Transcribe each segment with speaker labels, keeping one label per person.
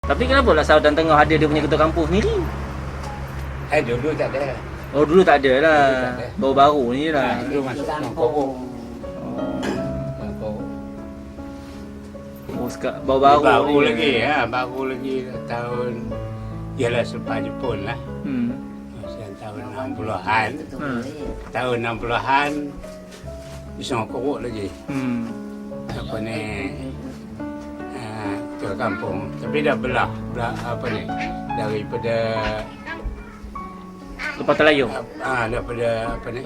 Speaker 1: Tapi kenapa lah Saudan Tengah ada dia punya ketua kampung sendiri?
Speaker 2: Dulu tak ada.
Speaker 1: Oh dulu tak ada lah.
Speaker 2: Dulu tak ada.
Speaker 1: Baru-baru ni lah.
Speaker 2: Dulu masuk Korok.
Speaker 1: Oh sekarang baru-baru
Speaker 2: Baru
Speaker 1: ni.
Speaker 2: lagi baru lagi tahun ialah selepas Jepun lah. Tahun 60-an. Tahun 60-an Isong Korok lagi. Apa ni? Ke kampung. Tapi dah belah apa ni? Daripada
Speaker 1: Lepas Telayu.
Speaker 2: daripada apa ni?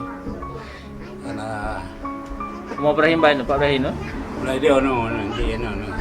Speaker 1: Rumah Ibrahim Pak Ibrahim tu.
Speaker 2: Mulai dia nanti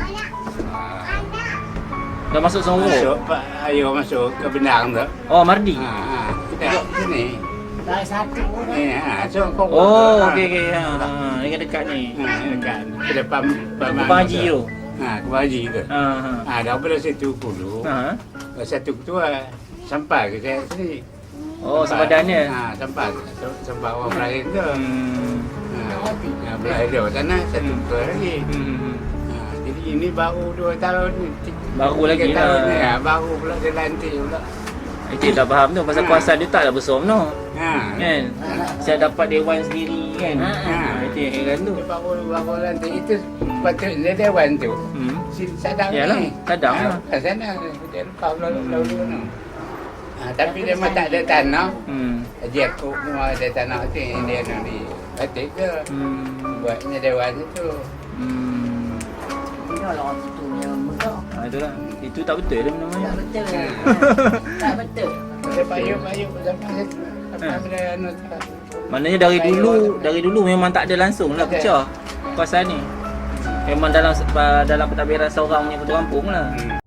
Speaker 1: Dah masuk Songo.
Speaker 2: masuk Pak Ayo masuk ke Bendang tu.
Speaker 1: Oh Mardi.
Speaker 2: Kita sini.
Speaker 3: Dah satu pun.
Speaker 2: So kau.
Speaker 1: Oh okey. Ni kan dekat ni.
Speaker 2: Dekat ke depan
Speaker 1: Kubang Haji tu.
Speaker 2: Kubang Haji tu. Daripada situ dulu. Satu ketua sampai ke saya sini.
Speaker 1: Oh sempadannya.
Speaker 2: Sampai orang Melayu tu. Melayu dia sana satu ketua lagi. Jadi ini baru 2 tahun ni.
Speaker 1: Baru lagi
Speaker 2: 3 tahun ni
Speaker 1: lah.
Speaker 2: baru pula dia lantik pula.
Speaker 1: Itu tak faham tu pasal kuasa dia taklah besar no.
Speaker 2: Ha.
Speaker 1: Kan? Saya dapat dewan sendiri kan. Itu yang heran tu.
Speaker 2: Dia baru lantik itu patutnya dewan tu. Si Sadang
Speaker 1: Yalah,
Speaker 2: ni.
Speaker 1: Sadang lah.
Speaker 2: Kat sana dia lepas lalu tu. Tapi dia memang tak ada tanah. Dia kok mau ada tanah tu dia nak di batik ke. Buatnya dewan itu.
Speaker 3: Dia lah tu yang mudah.
Speaker 1: Itulah. Itu tak betul dia
Speaker 3: Tak
Speaker 1: namanya.
Speaker 3: betul. Tak betul.
Speaker 2: Dia payung sampai situ. Sampai dia anu tak.
Speaker 1: Maknanya dari dulu memang tak ada langsung lah pecah kuasa ni. Memang dalam pentadbiran seorang punya ketua kampung lah.